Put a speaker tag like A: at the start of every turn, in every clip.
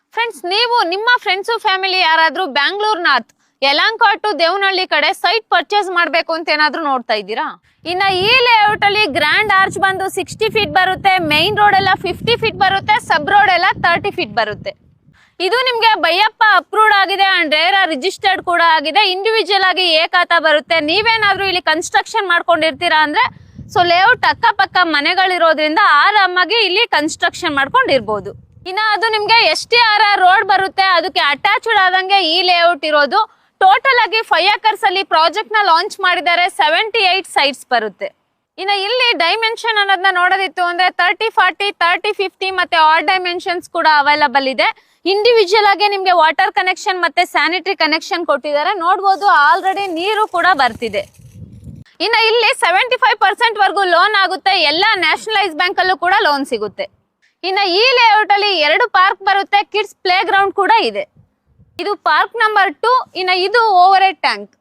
A: Friends, ನೀವು ನಿಮ್ಮ friends family ಯಾರಾದ್ರೂ Bangalore north Yelahanka to Devanahalli ಕಡೆ ಸೈಟ್ ಪರ್ಚೇಸ್ ಮಾಡ್ಬೇಕು ಅಂತ ಏನಾದ್ರೂ ನೋಡ್ತಾ ಇದ್ದೀರಾ? ಇನ್ನ ಈ ಲೇಔಟ್ ಅಲ್ಲಿ ಗ್ರ್ಯಾಂಡ್ ಆರ್ಚ್ ಬಂದು 60 ಫೀಟ್ ಬರುತ್ತೆ, ಮೈನ್ ರೋಡ್ ಎಲ್ಲ 50 ಫೀಟ್ ಬರುತ್ತೆ, ಸಬ್ ರೋಡ್ ಎಲ್ಲ 30 ಫೀಟ್ ಬರುತ್ತೆ. ಇದು ನಿಮ್ಗೆ ಬೈಯಪ್ಪ ಅಪ್ರೂವ್ಡ್ ಆಗಿದೆ ಅಂಡ್ ರೇರಾ ರಿಜಿಸ್ಟರ್ಡ್ ಕೂಡ ಆಗಿದೆ. ಇಂಡಿವಿಜುವಲ್ ಆಗಿ ಏಕಾತ ಬರುತ್ತೆ. ನೀವೇನಾದ್ರೂ ಇಲ್ಲಿ ಕನ್ಸ್ಟ್ರಕ್ಷನ್ ಮಾಡ್ಕೊಂಡಿರ್ತೀರಾ ಅಂದ್ರೆ ಸೊ ಲೇಔಟ್ ಅಕ್ಕಪಕ್ಕ ಮನೆಗಳಿರೋದ್ರಿಂದ ಆರಾಮಾಗಿ ಇಲ್ಲಿ ಕನ್ಸ್ಟ್ರಕ್ಷನ್ ಮಾಡ್ಕೊಂಡಿರ್ಬೋದು. ಇನ್ನ ಅದು ನಿಮ್ಗೆ STRR ರೋಡ್ ಬರುತ್ತೆ, ಅದಕ್ಕೆ ಅಟ್ಯಾಚ್ಡ್ ಆದಂಗೆ ಈ ಲೇಔಟ್ ಇರೋದು. ಟೋಟಲ್ ಆಗಿ 5 acres ಅಲ್ಲಿ ಪ್ರಾಜೆಕ್ಟ್ ನ ಲಾಂಚ್ ಮಾಡಿದ್ದಾರೆ. 78 ಸೈಟ್ಸ್ ಬರುತ್ತೆ. ಇನ್ನ ಇಲ್ಲಿ ಡೈಮೆನ್ಷನ್ ಅನ್ನೋದನ್ನ ನೋಡೋದಿತ್ತು ಅಂದ್ರೆ 30, 40, 30, 50 ಮತ್ತೆ ಆಲ್ ಡೈಮೆನ್ಷನ್ಸ್ ಕೂಡ ಅವೈಲಬಲ್ ಇದೆ. ಇಂಡಿವಿಜುವಲ್ ಆಗಿ ನಿಮ್ಗೆ ವಾಟರ್ ಕನೆಕ್ಷನ್ ಮತ್ತೆ ಸ್ಯಾನಿಟರಿ ಕನೆಕ್ಷನ್ ಕೊಟ್ಟಿದ್ದಾರೆ. ನೋಡ್ಬೋದು ಆಲ್ರೆಡಿ ನೀರು ಕೂಡ ಬರ್ತಿದೆ. ಇನ್ನ ಇಲ್ಲಿ 75% ವರ್ಗೂ ಲೋನ್ ಆಗುತ್ತೆ. ಎಲ್ಲ ನ್ಯಾಷನಲೈಸ್ ಬ್ಯಾಂಕ್ ಅಲ್ಲೂ ಕೂಡ ಲೋನ್ ಸಿಗುತ್ತೆ. ಇನ್ನ ಈ ಲೇಔಟ್ ಅಲ್ಲಿ 2 ಪಾರ್ಕ್ ಬರುತ್ತೆ, ಕಿಡ್ಸ್ ಪ್ಲೇ ಗ್ರೌಂಡ್ ಕೂಡ ಇದೆ. ಇದು ಪಾರ್ಕ್ ನಂಬರ್ 2. ಇನ್ನ ಇದು ಓವರ್ ಹೆಡ್ ಟ್ಯಾಂಕ್,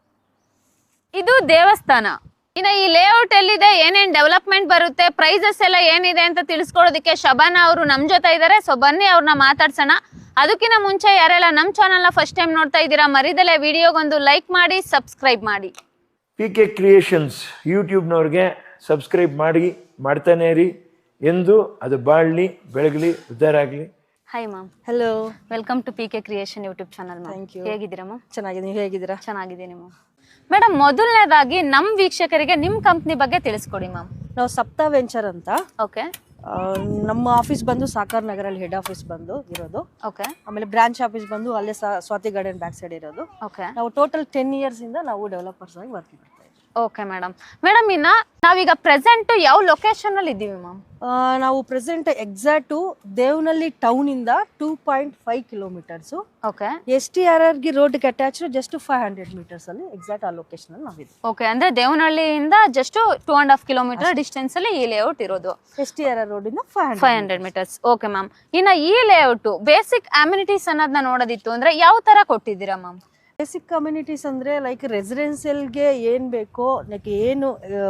A: ಇದು ದೇವಸ್ಥಾನ. ಇನ್ನ ಈ ಲೇಔಟ್ ಎಲ್ಲಿದೆ, ಏನೇನ್ ಡೆವಲಪ್ಮೆಂಟ್ ಬರುತ್ತೆ, ಪ್ರೈಸಸ್ ಎಲ್ಲ ಏನಿದೆ ಅಂತ ತಿಳಿಸ್ಕೊಡೋದಕ್ಕೆ ಶಬಾನಾ ಅವರು ನಮ್ ಜೊತೆ ಇದ್ದಾರೆ. ಸೊ ಬನ್ನಿ ಅವ್ರನ್ನ ಮಾತಾಡ್ಸೋಣ. ಅದಕ್ಕಿಂತ ಮುಂಚೆ ಯಾರೆಲ್ಲ ನಮ್ ಚಾನಲ್ ನ ಫಸ್ಟ್ ಟೈಮ್ ನೋಡ್ತಾ ಇದ್ದೀರಾ, ಮರಿದಲೆ ವಿಡಿಯೋಗೊಂದು ಲೈಕ್ ಮಾಡಿ, ಸಬ್ಸ್ಕ್ರೈಬ್ ಮಾಡಿ.
B: PK ಕ್ರಿಯೇಷನ್ಸ್ ಯೂಟ್ಯೂಬ್ನವ್ರಿಗೆ ಸಬ್ಸ್ಕ್ರೈಬ್ ಮಾಡ್ತಾನೆ ಇರಿ. ಎಂದು ಅದು ಬಾಳ್ಲಿ, ಬೆಳಗಲಿ, ಉದ್ಧಾರ ಆಗಲಿ.
A: Hi ma'am.
C: Hello,
A: welcome to PK creation YouTube channel.
C: Thank you.
A: ಹೇಗಿದ್ದೀರಾ ಮ್ಯಾಮ್?
C: ಚೆನ್ನಾಗಿದೆ, ನೀವು ಹೇಗಿದ್ದೀರಾ?
A: ಚೆನ್ನಾಗಿದ್ದೀನಿ ಮ್ಯಾಮ್. ಮೇಡಮ್, ಮೊದಲನೇದಾಗಿ ನಮ್ ವೀಕ್ಷಕರಿಗೆ ನಿಮ್ ಕಂಪ್ನಿ ಬಗ್ಗೆ ತಿಳಿಸ್ಕೊಡಿ ಮ್ಯಾಮ್.
C: ನಾವು ಸಪ್ತಾ ವೆಂಚರ್ ಅಂತ.
A: ಓಕೆ.
C: ನಮ್ಮ ಆಫೀಸ್ ಬಂದು ಸಾಕಾರ್ ನಗರಲ್ಲಿ ಹೆಡ್ ಆಫೀಸ್ ಬಂದು ಇರೋದು.
A: ಓಕೆ.
C: ಆಮೇಲೆ ಬ್ರಾಂಚ್ ಆಫೀಸ್ ಬಂದು ಅಲ್ಲೇ ಸ್ವಾತಿ ಗಾರ್ಡನ್ ಬ್ಯಾಕ್ ಸೈಡ್ ಇರೋದು.
A: ಓಕೆ.
C: ನಾವು ಟೋಟಲ್ 10 years ಇಂದ ನಾವು ಡೆವಲಪರ್ಸ್ ಆಗಿ ವರ್ಕ್ ಮಾಡ್ತಾ ಇದ್ದೀವಿ.
A: Okay madam. ಇನ್ನ ನಾವೀಗ ಪ್ರೆಸೆಂಟ್ ಯಾವ ಲೊಕೇಶನ್ ಅಲ್ಲಿ ಇದ್ದೀವಿ ಮ್ಯಾಮ್?
C: ನಾವು ಪ್ರೆಸೆಂಟ್ ಎಕ್ಸಾಕ್ಟು ದೇವನಹಳ್ಳಿ ಟೌನ್ ಇಂದ 2.5 kilometers.
A: ಓಕೆ.
C: STRR ಗೆ ರೋಡ್ಗೆ ಅಟ್ಯಾಚ್ ಜಸ್ಟ್ 500 meters ಅಲ್ಲಿ ಎಕ್ಸಾಕ್ಟ್ ಆ ಲೊಕೇಶನ್ ಅಲ್ಲಿ ನಾವಿದ್ದೀವಿ.
A: ಓಕೆ, ಅಂದ್ರೆ ದೇವನಹಳ್ಳಿಯಿಂದ ಜಸ್ಟ್ 2.5 kilometer ಡಿಸ್ಟೆನ್ಸ್ ಅಲ್ಲಿ ಈ ಲೇಔಟ್ ಇರೋದು.
C: STRR ರೋಡ್ ಇಂದ
A: 500 meters. Okay ma'am. ಇನ್ನ ಈ ಲೇಔಟ್ ಬೇಸಿಕ್ ಅಮ್ಯುನಿಟೀಸ್ ಅನ್ನೋದನ್ನ ನೋಡೋದಿತ್ತು ಅಂದ್ರೆ ಯಾವ ತರ ಕೊಟ್ಟಿದ್ದೀರಾ ಮ್ಯಾಮ್?
C: ಬೇಸಿಕ್ ಕಮ್ಯುನಿಟೀಸ್ ಅಂದರೆ ಲೈಕ್ ರೆಸಿಡೆನ್ಸಿಯಲ್ಗೆ ಏನು ಬೇಕೋ, ಲೈಕ್ ಏನು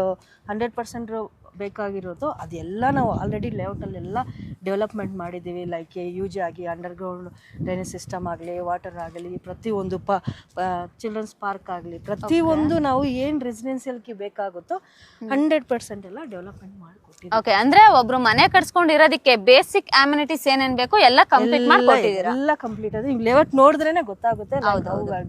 C: 100% ಬೇಕಾಗಿರೋದು ಅದೆಲ್ಲ ನಾವು ಆಲ್ರೆಡಿ ಲೇಔಟಲ್ಲೆಲ್ಲ ಡೆವಲಪ್ಮೆಂಟ್ ಮಾಡಿದ್ದೀವಿ. ಲೈಕ್ ಯೂಜ್ ಆಗಿ ಅಂಡರ್ಗ್ರೌಂಡ್ ಡ್ರೈನೇಜ್ ಸಿಸ್ಟಮ್ ಆಗಲಿ, ವಾಟರ್ ಆಗಲಿ, ಪ್ರತಿಯೊಂದು ಚಿಲ್ಡ್ರನ್ಸ್ ಪಾರ್ಕ್ ಆಗಲಿ, ಪ್ರತಿಯೊಂದು ನಾವು ಏನು ರೆಸಿಡೆನ್ಸಿಯಲ್ಗೆ ಬೇಕಾಗುತ್ತೋ 100% ಎಲ್ಲ ಡೆವಲಪ್ಮೆಂಟ್ ಮಾಡಿಕೊಟ್ಟಿದ್ದೀವಿ.
A: ಓಕೆ, ಅಂದ್ರೆ ಒಬ್ರು ಮನೆ ಕಟ್ಸ್ಕೊಂಡಿರೋದಕ್ಕೆ ಬೇಸಿಕ್ ಅಮ್ಯುನಿಟೀಸ್ ಏನೇನ್ ಬೇಕು ಎಲ್ಲ ಕಂಪ್ಲೀಟ್ ಮಾಡ್ಕೊಟ್ಟಿದ್ದೀರಾ?
C: ಎಲ್ಲ ಕಂಪ್ಲೀಟ್ ಆದ್ರೆ ನೀವು ಲೇಔಟ್ ನೋಡಿದ್ರೇನೆ ಗೊತ್ತಾಗುತ್ತೆ ಅಂತ.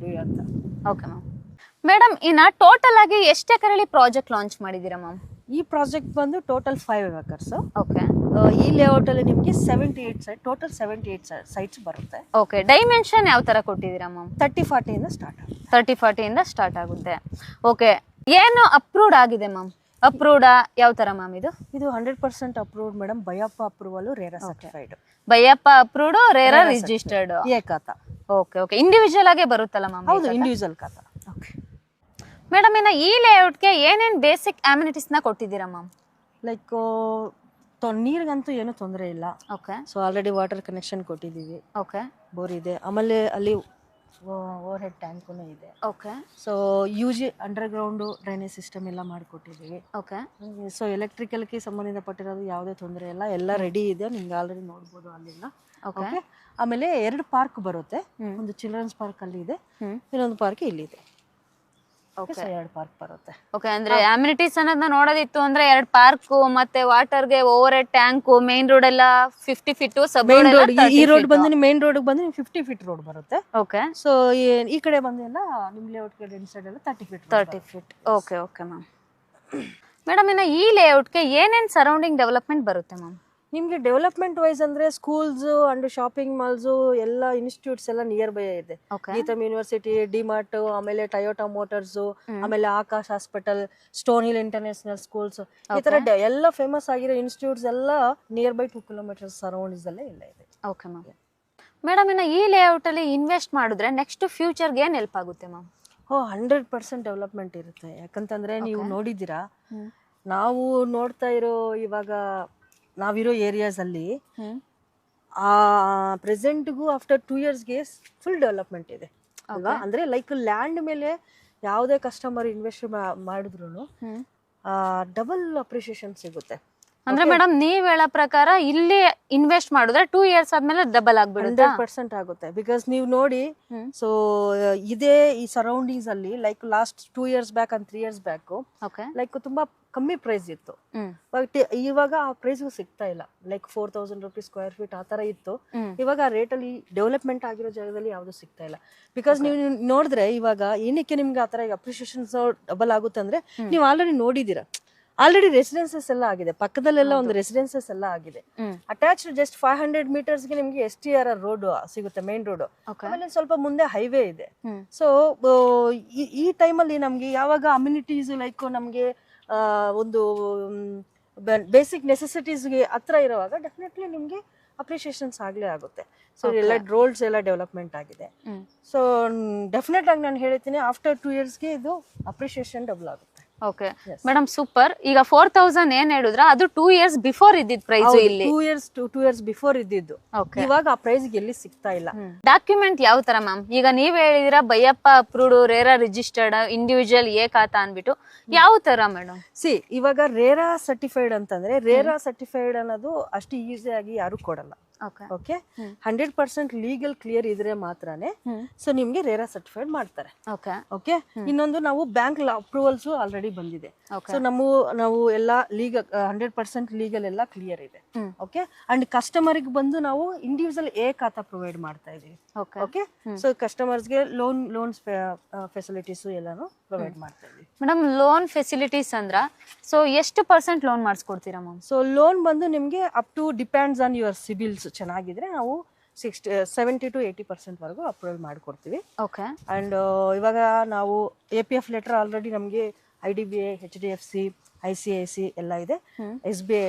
A: Okay ma'am. ಮೇಡಮ್, ಇನ್ನ ಟೋಟಲ್ ಆಗಿ ಎಷ್ಟು ಎಕರೆಯಲ್ಲಿ ಪ್ರಾಜೆಕ್ಟ್ ಲಾಂಚ್ ಮಾಡಿದ್ದೀರಾ ಮ್ಯಾಮ್?
C: ಈ ಪ್ರಾಜೆಕ್ಟ್ ಬಂದು ಟೋಟಲ್ 5 acres.
A: ಓಕೆ.
C: ಈ ಲೇಔಟ್ ಅಲ್ಲಿ ನಿಮಗೆ 78 ಸೈಟ್, ಟೋಟಲ್ 78 ಸೈಟ್ಸ್ ಬರುತ್ತೆ.
A: ಓಕೆ. ಡೈಮೆನ್ಷನ್ ಯಾವ ತರ ಕೊಟ್ಟಿದ್ದೀರಾ ಮ್ಯಾಮ್?
C: 30-40 ಇಂದ ಸ್ಟಾರ್ಟ್ ಆಗುತ್ತೆ.
A: 30-40 ಇಂದ ಸ್ಟಾರ್ಟ್ ಆಗುತ್ತೆ. ಓಕೆ. ಏನು ಅಪ್ರೂವ್ಡ್ ಆಗಿದೆ ಮ್ಯಾಮ್? ಅಪ್ರೂವ್ಡ್ ಯಾವ ತರ ಮ್ಯಾಮ್? ಇದು
C: 100% approved madam. BIAAPA approval, RERA certified.
A: BIAAPA approved, RERA registered.
C: ಏಕಾತ.
A: ಓಕೆ. ಓಕೆ. ಇಂಡಿವಿಜುವಲ್ ಆಗೇ ಬರುತ್ತಲ್ಲ ಮ್ಯಾಮ್?
C: ಹೌದು, ಇಂಡಿವಿಜುವಲ್ ಖಾತಾ.
A: ಓಕೆ ಮೇಡಮ್, ಇನ್ನ ಈ ಲೇಔಟ್ಗೆ ಏನೇನ್ ಬೇಸಿಕ್ ಅಮ್ಯುನಿಟೀಸ್ ನ ಕೊಟ್ಟಿದ್ದೀರಾ ಮ್ಯಾಮ್?
C: ಲೈಕ್ ನೀರಿಗಂತೂ ಏನು ತೊಂದರೆ ಇಲ್ಲ.
A: Okay.
C: So already water connection ಕೊಟ್ಟಿದ್ದೀವಿ.
A: ಓಕೆ.
C: ಬೋರ್ ಇದೆ. ಆಮೇಲೆ ಅಲ್ಲಿ ಓವರ್ ಹೆಡ್ ಟ್ಯಾಂಕು ಇದೆ.
A: Okay.
C: So UG underground drainage system ಎಲ್ಲ ಮಾಡಿಕೊಟ್ಟಿದ್ದೀವಿ.
A: ಓಕೆ.
C: ಸೊ ಎಲೆಕ್ಟ್ರಿಕಲ್ಗೆ ಸಂಬಂಧಪಟ್ಟಿರೋದು ಯಾವುದೇ ತೊಂದರೆ ಇಲ್ಲ, ಎಲ್ಲ ರೆಡಿ ಇದೆ. ನಿಮ್ಗೆ ಆಲ್ರೆಡಿ ನೋಡ್ಬೋದು ಅಲ್ಲಿಂದ. ಓಕೆ. ಆಮೇಲೆ 2 ಪಾರ್ಕ್ ಬರುತ್ತೆ. ಒಂದು ಚಿಲ್ಡ್ರನ್ಸ್ ಪಾರ್ಕ್ ಅಲ್ಲಿ ಇದೆ, ಇನ್ನೊಂದು ಪಾರ್ಕ್ ಇಲ್ಲಿದೆ.
A: ಓಕೆ.
C: 2 ಪಾರ್ಕ್ ಬರುತ್ತೆ.
A: ಓಕೆ. ಅಂದ್ರೆ ಅಮ್ಯುನಿಟೀಸ್ ಅನ್ನೋದನ್ನ ನೋಡೋದಿತ್ತು ಅಂದ್ರೆ 2 ಪಾರ್ಕ್ ಮತ್ತೆ ವಾಟರ್ಗೆ over head tank, main road ಎಲ್ಲ 50 ಫೀಟ್, ಸಬ್ ರೋಡ್
C: ಈ ರೋಡ್ ಬಂದು ಮೇನ್ ರೋಡ್ ಬಂದು 50 feet ರೋಡ್ ಬರುತ್ತೆ.
A: ಓಕೆ.
C: ಸೊ ಈ ಕಡೆ ಬಂದೆಲ್ಲ ನಿಮ್ ಲೇಔಟ್ ಕಡೆ ಸೈಡ್ ಎಲ್ಲ 30 feet.
A: Okay. Okay ma'am. Madam, ಇನ್ನ ಈ ಲೇಔಟ್ಗೆ ಏನೇನ್ ಸರೌಂಡಿಂಗ್ ಡೆವಲಪ್ಮೆಂಟ್ ಬರುತ್ತೆ ಮ್ಯಾಮ್?
C: ನಿಮ್ಗೆ ಡೆವಲಪ್ಮೆಂಟ್ ವೈಸ್ ಅಂದ್ರೆ ಸ್ಕೂಲ್ಸ್ ಅಂಡ್ ಶಾಪಿಂಗ್ ಮಾಲ್ಸ್ ಎಲ್ಲ ಇನ್ಸ್ಟಿಟ್ಯೂಟ್ಸ್ ಎಲ್ಲ ನಿಯರ್ ಬೈ ಇದೆ. ಗೀತಮ್ ಯೂನಿವರ್ಸಿಟಿ, ಡಿಮಾರ್ಟ್, ಆಮೇಲೆ ಟೊಯೋಟಾ ಮೋಟಾರ್ಸ್, ಆಮೇಲೆ Akash hospital, stone hill international schools, ಈ ತರ ಎಲ್ಲ ಫೇಮಸ್ ಆಗಿರೋ ಇನ್ಸ್ಟಿಟ್ಯೂಟ್ಸ್ ಎಲ್ಲ ನಿಯರ್ ಬೈ 2 kilometers ಸರೌಂಡಿಂಗ್ಸ್ ಅಲ್ಲೇ ಇಲ್ಲ ಇದೆ.
A: Okay ma'am. ಮೇಡಮ್, ಇನ್ನ ಈ ಲೇಔಟ್ ಅಲ್ಲಿ ಇನ್ವೆಸ್ಟ್ ಮಾಡಿದ್ರೆ ನೆಕ್ಸ್ಟ್ ಫ್ಯೂಚರ್ಗೆ ಏನ್ ಹೆಲ್ಪ್ ಆಗುತ್ತೆ ಮ್ಯಾಮ್?
C: 100% ಡೆವಲಪ್ಮೆಂಟ್ ಇರುತ್ತೆ. ಯಾಕಂತಂದ್ರೆ ನೀವು ನೋಡಿದ್ದೀರಾ, ನಾವು ನೋಡ್ತಾ ಇರೋ ಇವಾಗ ನಾವಿರೋ ಏರಿಯಾಸ್ ಅಲ್ಲಿ ಪ್ರೆಸೆಂಟ್ಗೂ ಆಫ್ಟರ್ 2 yearsಗೆ ಫುಲ್ ಡೆವಲಪ್ಮೆಂಟ್ ಇದೆ ಅಲ್ವಾ? ಅಂದ್ರೆ ಲೈಕ್ ಲ್ಯಾಂಡ್ ಮೇಲೆ ಯಾವುದೇ ಕಸ್ಟಮರ್ ಇನ್ವೆಸ್ಟ್ ಮಾಡಿದ್ರು ಡಬಲ್ ಅಪ್ರಿಷಿಯೇಷನ್ ಸಿಗುತ್ತೆ.
A: ಅಂದ್ರೆ ಮೇಡಮ್ ನೀವ್ ಹೇಳೋ ಪ್ರಕಾರ ಇಲ್ಲಿ ಇನ್ವೆಸ್ಟ್ ಮಾಡಿದ್ರೆ 2 years ಆದ್ಮೇಲೆ ಡಬಲ್ ಆಗ್ಬಿಡುತ್ತೆ.
C: 100% ಆಗುತ್ತೆ. ಬಿಕಾಸ್ ನೀವು ನೋಡಿ, ಸೊ ಇದೇ ಈ ಸರೌಂಡಿಂಗ್ಸ್ ಅಲ್ಲಿ like last 2 years back and 3 years back like ತುಂಬಾ ಕಮ್ಮಿ ಪ್ರೈಸ್ ಇತ್ತು. ಬಟ್ ಇವಾಗ ಆ ಪ್ರೈಸ್ಗೂ ಸಿಗ್ತಾ ಇಲ್ಲ. ಲೈಕ್ 4000 rupees ಸ್ಕ್ವೇರ್ ಫೀಟ್ ಆ ತರ ಇತ್ತು. ಇವಾಗ ಆ ರೇಟ್ ಅಲ್ಲಿ ಡೆವಲಪ್ಮೆಂಟ್ ಆಗಿರೋ ಜಾಗದಲ್ಲಿ ಯಾವ್ದು ಸಿಗ್ತಾ ಇಲ್ಲ. ಬಿಕಾಸ್ ನೀವು ನೋಡಿದ್ರೆ ಇವಾಗ ಏನಕ್ಕೆ ನಿಮ್ಗೆ ಆ ತರ ಅಪ್ರಿಸಿಯೇಷನ್ಸ್ ಡಬಲ್ ಆಗುತ್ತೆ ಅಂದ್ರೆ ನೀವು ಆಲ್ರೆಡಿ ನೋಡಿದೀರಾ, ಆಲ್ರೆಡಿ ರೆಸಿಡೆನ್ಸಸ್ ಎಲ್ಲ ಆಗಿದೆ, ಪಕ್ಕದಲ್ಲೆಲ್ಲ ಒಂದು ರೆಸಿಡೆನ್ಸಸ್ ಎಲ್ಲ ಆಗಿದೆ. ಅಟ್ಯಾಚ್ಡ್ ಜಸ್ಟ್ 500 meters ಗೆ ನಿಮ್ಗೆ STRR ರೋಡ್ ಸಿಗುತ್ತೆ, ಮೇನ್ ರೋಡ್. ಆಮೇಲೆ ಸ್ವಲ್ಪ ಮುಂದೆ ಹೈವೇ ಇದೆ. ಸೊ ಈ ಟೈಮಲ್ಲಿ ನಮ್ಗೆ ಯಾವಾಗ ಅಮ್ಯುನಿಟೀಸ್ ಲೈಕ್ ನಮ್ಗೆ ಒಂದು ಬೇಸಿಕ್ ನೆಸೆಸಿಟೀಸ್ಗೆ ಹತ್ರ ಇರುವಾಗ ಡೆಫಿನೆಟ್ಲಿ ನಿಮ್ಗೆ ಅಪ್ರಿಸಿಯೇಷನ್ಸ್ ಆಗ್ಲೇ ಆಗುತ್ತೆ. ಸೊ ಎಲ್ಲ ರೋಡ್ಸ್ ಎಲ್ಲ ಡೆವಲಪ್ಮೆಂಟ್ ಆಗಿದೆ. ಸೊ ಡೆಫಿನೆಟ್ ಆಗಿ ನಾನು ಹೇಳ್ತೀನಿ ಆಫ್ಟರ್ 2 yearsಗೆ ಇದು ಅಪ್ರಿಸಿಯೇಷನ್ ಡಬಲ್ ಆಗುತ್ತೆ.
A: Okay madam super. ಈಗ 4000 ಏನ್ ಹೇಳಿದ್ರ ಅದು 2 years ಬಿಫೋರ್ ಇದ್ದಿದ್ ಪ್ರೈಸ್ ಇಲ್ಲಿ.
C: 2 years ಬಿಫೋರ್ ಇದ್ದಿದ್ದು. ಇವಾಗ ಆ ಪ್ರೈಸ್ ಎಲ್ಲಿ ಸಿಗ್ತಾ ಇಲ್ಲ.
A: ಡಾಕ್ಯುಮೆಂಟ್ ಯಾವ ತರ ಮ್ಯಾಮ್? ಈಗ ನೀವ್ ಹೇಳಿದಿರ BIAAPA approved, RERA registered, individual A khata ಅನ್ಬಿಟ್ಟು ಯಾವ ತರ ಮೇಡಮ್?
C: ಇವಾಗ ರೇರಾ ಸರ್ಟಿಫೈಡ್ ಅಂತಂದ್ರೆ ರೇರಾ ಸರ್ಟಿಫೈಡ್ ಅನ್ನೋದು ಅಷ್ಟು ಈಸಿ ಆಗಿ ಯಾರು ಕೊಡಲ್ಲ. ಓಕೆ 100% ಲೀಗಲ್ ಕ್ಲಿಯರ್ ಇದ್ರೆ ಮಾತ್ರನೇ ಸೊ ನಿಮ್ಗೆ ರೇರಾ ಸರ್ಟಿಫೈಡ್ ಮಾಡ್ತಾರೆ. ಓಕೆ ಇನ್ನೊಂದು ನಾವು ಬ್ಯಾಂಕ್ ಅಪ್ರೂವಲ್ಸ್ ಆಲ್ರೆಡಿ ಬಂದಿದೆ. ಸೊ ನಾವು ಎಲ್ಲ ಲೀಗಲ್ 100% ಲೀಗಲ್ ಎಲ್ಲ ಕ್ಲಿಯರ್ ಇದೆ. ಓಕೆ ಅಂಡ್ ಕಸ್ಟಮರ್ಗೆ ಬಂದು ನಾವು ಇಂಡಿವಿಜುವಲ್ ಎ ಖಾತಾ ಪ್ರೊವೈಡ್ ಮಾಡ್ತಾ ಇದೀವಿ. ಓಕೆ ಸೊ ಕಸ್ಟಮರ್ಸ್ಗೆ ಲೋನ್ಸ್ ಫೆಸಿಲಿಟೀಸ್ ಎಲ್ಲಾನು ಪ್ರೊವೈಡ್ ಮಾಡ್ತಾ ಇದೀವಿ.
A: ಮೇಡಮ್ ಲೋನ್ ಫೆಸಿಲಿಟೀಸ್ ಅಂದ್ರ ಸೊ ಎಷ್ಟು % ಲೋನ್ ಮಾಡಿಸ್ಕೊಡ್ತೀರಾ ಮ್ಯಾಮ್?
C: ಸೊ ಲೋನ್ ಬಂದು ನಿಮ್ಗೆ up to depends on your CIBIL's ಚೆನ್ನಾಗಿದ್ರೆ ನಾವು 70 to 80% ವರೆಗೂ ಅಪ್ರೂವಲ್ ಮಾಡಿಕೊಡ್ತೀವಿ.
A: ಓಕೆ
C: ಅಂಡ್ ಇವಾಗ ನಾವು APF ಲೆಟರ್ ಆಲ್ರೆಡಿ ನಮಗೆ IDBI, HDFC, ICIC ಎಲ್ಲ ಇದೆ. SBI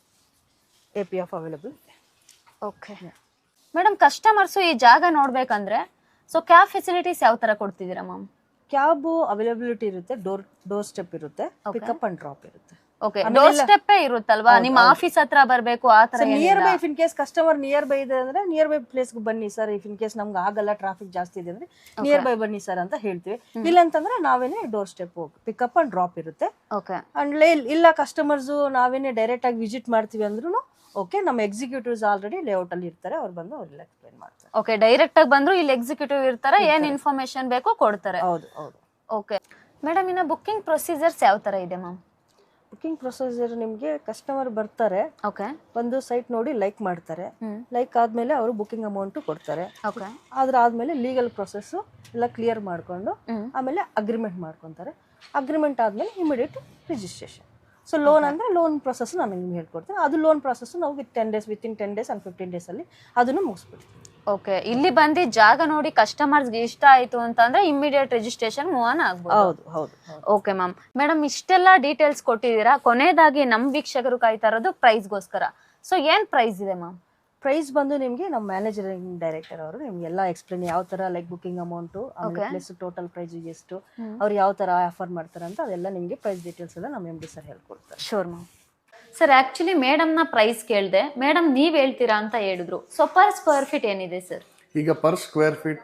C: APF ಅವೈಲೇಬಲ್ ಇದೆ.
A: ಓಕೆ ಮೇಡಮ್ ಕಸ್ಟಮರ್ಸ್ ಈ ಜಾಗ ನೋಡ್ಬೇಕಂದ್ರೆ ಸೊ ಕ್ಯಾಬ್ ಫೆಸಿಲಿಟೀಸ್ ಯಾವ ತರ ಕೊಡ್ತಿದ್ದೀರಾ ಮ್ಯಾಮ್?
C: ಕ್ಯಾಬ್ ಅವೈಲಬಿಲಿಟಿ ಇರುತ್ತೆ, ಡೋರ್ ಸ್ಟೆಪ್ ಇರುತ್ತೆ, ಪಿಕಪ್ ಅಂಡ್ ಡ್ರಾಪ್ ಇರುತ್ತೆ.
A: ಓಕೆ ಡೋರ್ ಸ್ಟೆಪ್ ಇರುತ್ತಲ್ವಾ, ನಿಮ್ಮ ಆಫೀಸ್ ಹತ್ರ ಬರಬೇಕು ಆ ತರ?
C: Near by, if in case customer near by ಇದೆ ಅಂದ್ರೆ ನಿಯರ್ ಬೈ ಪ್ಲೇಸ್ ಬನ್ನಿ ಸರ್, ಇಫ್ ಇನ್ ಕೇಸ್ ನಮ್ಗೆ ಆಗಲ್ಲ ಟ್ರಾಫಿಕ್ ಜಾಸ್ತಿ ಇದೆ ಅಂದ್ರೆ ನಿಯರ್ ಬೈ ಬನ್ನಿ ಸರ್ ಅಂತ ಹೇಳ್ತೀವಿ. ಇಲ್ಲ ಅಂತಂದ್ರೆ ನಾವೇನೆ door step pickup and drop ಇರುತ್ತೆ. ಅಂಡ್ ಇಲ್ಲ ಕಸ್ಟಮರ್ಸ್ ನಾವೇನೆ ಡೈರೆಕ್ಟ್ ಆಗಿ ವಿಸಿಟ್ ಮಾಡ್ತೀವಿ ಅಂದ್ರೂ ಓಕೆ, ನಮ್ಮ ಎಕ್ಸಿಕ್ಯೂಟಿವ್ಸ್ ಆಲ್ರೆಡಿ ಲೇಔಟ್ ಅಲ್ಲಿ ಇರ್ತಾರೆ, ಅವ್ರು ಬಂದು ಅವ್ರೆಲ್ಲ ಎಕ್ಸ್ಪ್ಲೈನ್ ಮಾಡ್ತಾರೆ.
A: ಓಕೆ ಡೈರೆಕ್ಟ್ ಆಗಿ ಬಂದ್ರು ಇಲ್ಲಿ ಎಕ್ಸಿಕ್ಯೂಟಿವ್ ಇರ್ತಾರೆ, ಏನ್ ಇನ್ಫಾರ್ಮೇಶನ್ ಬೇಕೋ ಕೊಡ್ತಾರೆ.
C: ಹೌದು.
A: ಓಕೆ ಮೇಡಮ್ ಇನ್ನ ಬುಕಿಂಗ್ ಪ್ರೊಸೀಜರ್ಸ್ ಯಾವ ತರ ಇದೆ ಮ್ಯಾಮ್?
C: ಬುಕಿಂಗ್ ಪ್ರೊಸೀಜರ್ ನಿಮ್ಗೆ ಕಸ್ಟಮರ್ ಬರ್ತಾರೆ, ಒಂದು ಸೈಟ್ ನೋಡಿ ಲೈಕ್ ಮಾಡ್ತಾರೆ, ಲೈಕ್ ಆದ್ಮೇಲೆ ಅವರು ಬುಕಿಂಗ್ ಅಮೌಂಟ್ ಕೊಡ್ತಾರೆ. ಆದ್ಮೇಲೆ ಲೀಗಲ್ ಪ್ರೊಸೆಸ್ ಎಲ್ಲ ಕ್ಲಿಯರ್ ಮಾಡ್ಕೊಂಡು ಆಮೇಲೆ ಅಗ್ರಿಮೆಂಟ್ ಮಾಡ್ಕೊಂತಾರೆ. ಅಗ್ರಿಮೆಂಟ್ ಆದ್ಮೇಲೆ ಇಮಿಡಿಯೇಟ್ ರಿಜಿಸ್ಟ್ರೇಷನ್. ಸೊ ಲೋನ್ ಅಂದ್ರೆ ಲೋನ್ ಪ್ರೊಸೆಸ್ ನಾನು ನಿಮ್ಗೆ ಹೇಳ್ಕೊಡ್ತೀನಿ. ಅದು ಲೋನ್ ಪ್ರೊಸೆಸ್ ನಾವು ವಿತಿನ್ 10 days ಅಂಡ್ 15 days ಅಲ್ಲಿ ಅದನ್ನು ಮುಗಿಸ್ಬಿಡ್ತೀವಿ.
A: ಓಕೆ ಇಲ್ಲಿ ಬಂದು ಜಾಗ ನೋಡಿ ಕಸ್ಟಮರ್ಸ್ಗೆ ಇಷ್ಟ ಆಯ್ತು ಅಂತಂದ್ರೆ ಇಮಿಡಿಯೇಟ್ ರಿಜಿಸ್ಟ್ರೇಷನ್ ಮೂವ್ ಆನ್ ಆಗ್ಬೋದು.
C: ಹೌದು.
A: Okay ma'am. ಮೇಡಮ್ ಇಷ್ಟೆಲ್ಲ ಡೀಟೇಲ್ಸ್ ಕೊಟ್ಟಿದ್ದೀರಾ, ಕೊನೆಯದಾಗಿ ನಮ್ ವೀಕ್ಷಕರು ಕಾಯ್ತಾ ಇರೋದು ಪ್ರೈಸ್ಗೋಸ್ಕರ. ಸೊ ಏನ್ ಪ್ರೈಸ್ ಇದೆ ಮ್ಯಾಮ್?
C: ಪ್ರೈಸ್ ಬಂದು ನಿಮ್ಗೆ ನಮ್ಮ ಮ್ಯಾನೇಜರಿಂಗ್ ಡೈರೆಕ್ಟರ್ ಅವರು ನಿಮ್ಗೆಲ್ಲ ಎಕ್ಸ್ಪ್ಲೇನ್ ಯಾವ ತರ like booking amount plus total price ಎಷ್ಟು, ಅವ್ರು ಯಾವ ತರ ಆಫರ್ ಮಾಡ್ತಾರೆ ಅಂತ ಅದೆಲ್ಲ ನಿಮ್ಗೆ ಪ್ರೈಸ್ ಡೀಟೇಲ್ಸ್ ಎಲ್ಲ ನಮ್ಮ MD ಸರ್ ಹೇಳ್ಕೊಡ್ತಾರೆ.
A: Sure ma'am. Sir actually madam ನ ಪ್ರೈಸ್ ಕೇಳಿದೆ, ಮೇಡಮ್ ನೀವ್ ಹೇಳ್ತೀರಾ ಅಂತ ಹೇಳಿದ್ರು. ಸೊ ಪರ್ ಸ್ಕ್ವೇರ್ ಫೀಟ್ ಏನಿದೆ ಸರ್?
D: ಈಗ ಪರ್ ಸ್ಕ್ವೇರ್ ಫೀಟ್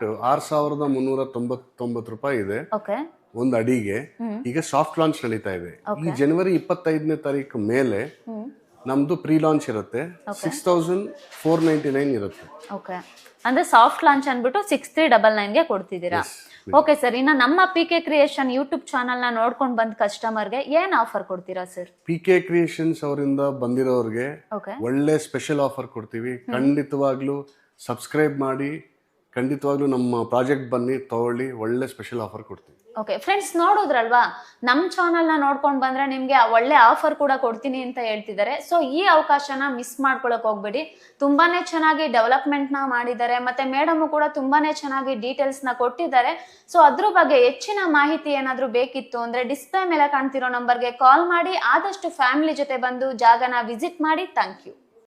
D: 6399 ರೂಪಾಯಿ ಇದೆ ಒಂದು ಅಡಿಗೆ. ಈಗ ಸಾಫ್ಟ್ ಲಾಂಚ್ ನಡೀತಾ ಇದೆ. ಈ ಜನವರಿ 25ನೇ ತಾರೀಕು ಮೇಲೆ ನಮ್ದು ಪ್ರೀ ಲಾಂಚ್ ಇರುತ್ತೆ, 6499 ಇರುತ್ತೆ.
A: ಓಕೆ ಅಂದ್ರೆ ಸಾಫ್ಟ್ ಲಾಂಚ್ ಅನ್ಬಿಟ್ಟು 6399 ಗೆ ಕೊಡ್ತಿದ್ದೀರಾ. ಓಕೆ ಸರ್, ಇನ್ನ ನಮ್ಮ PK ಕ್ರಿಯೇಷನ್ ಯೂಟ್ಯೂಬ್ ಚಾನಲ್ ನ ನೋಡ್ಕೊಂಡು ಬಂದ ಕಸ್ಟಮರ್ಗೆ ಏನ್ ಆಫರ್ ಕೊಡ್ತೀರಾ ಸರ್?
D: PK ಕ್ರಿಯೇಷನ್ಸ್ ಅವರಿಂದ ಬಂದಿರೋರ್ಗೆ ಒಳ್ಳೆ ಸ್ಪೆಷಲ್ ಆಫರ್ ಕೊಡ್ತೀವಿ. ಖಂಡಿತವಾಗ್ಲೂ ಸಬ್ಸ್ಕ್ರೈಬ್ ಮಾಡಿ, ಖಂಡಿತವಾಗ್ಲೂ ನಮ್ಮ ಪ್ರಾಜೆಕ್ಟ್ ಬನ್ನಿ ತಗೊಳ್ಳಿ, ಒಳ್ಳೆ ಸ್ಪೆಷಲ್ ಆಫರ್ ಕೊಡ್ತೀವಿ.
A: ಓಕೆ ಫ್ರೆಂಡ್ಸ್, ನೋಡಿದ್ರಲ್ವಾ, ನಮ್ಮ ಚಾನಲ್ ನ ನೋಡ್ಕೊಂಡು ಬಂದ್ರೆ ನಿಮ್ಗೆ ಒಳ್ಳೆ ಆಫರ್ ಕೂಡ ಕೊಡ್ತೀನಿ ಅಂತ ಹೇಳ್ತಿದ್ದಾರೆ. ಸೊ ಈ ಅವಕಾಶನ ಮಿಸ್ ಮಾಡ್ಕೊಳಕ್ ಹೋಗ್ಬೇಡಿ. ತುಂಬಾನೇ ಚೆನ್ನಾಗಿ ಡೆವಲಪ್ಮೆಂಟ್ ನ ಮಾಡಿದ್ದಾರೆ, ಮತ್ತೆ ಮೇಡಮ್ ಕೂಡ ತುಂಬಾನೇ ಚೆನ್ನಾಗಿ ಡೀಟೇಲ್ಸ್ ನ ಕೊಟ್ಟಿದ್ದಾರೆ. ಸೊ ಅದ್ರ ಬಗ್ಗೆ ಹೆಚ್ಚಿನ ಮಾಹಿತಿ ಏನಾದ್ರೂ ಬೇಕಿತ್ತು ಅಂದ್ರೆ ಡಿಸ್ಪ್ಲೇ ಮೇಲೆ ಕಾಣ್ತಿರೋ ನಂಬರ್ಗೆ ಕಾಲ್ ಮಾಡಿ, ಆದಷ್ಟು ಫ್ಯಾಮಿಲಿ ಜೊತೆ ಬಂದು ಜಾಗನ ವಿಸಿಟ್ ಮಾಡಿ. Thank you.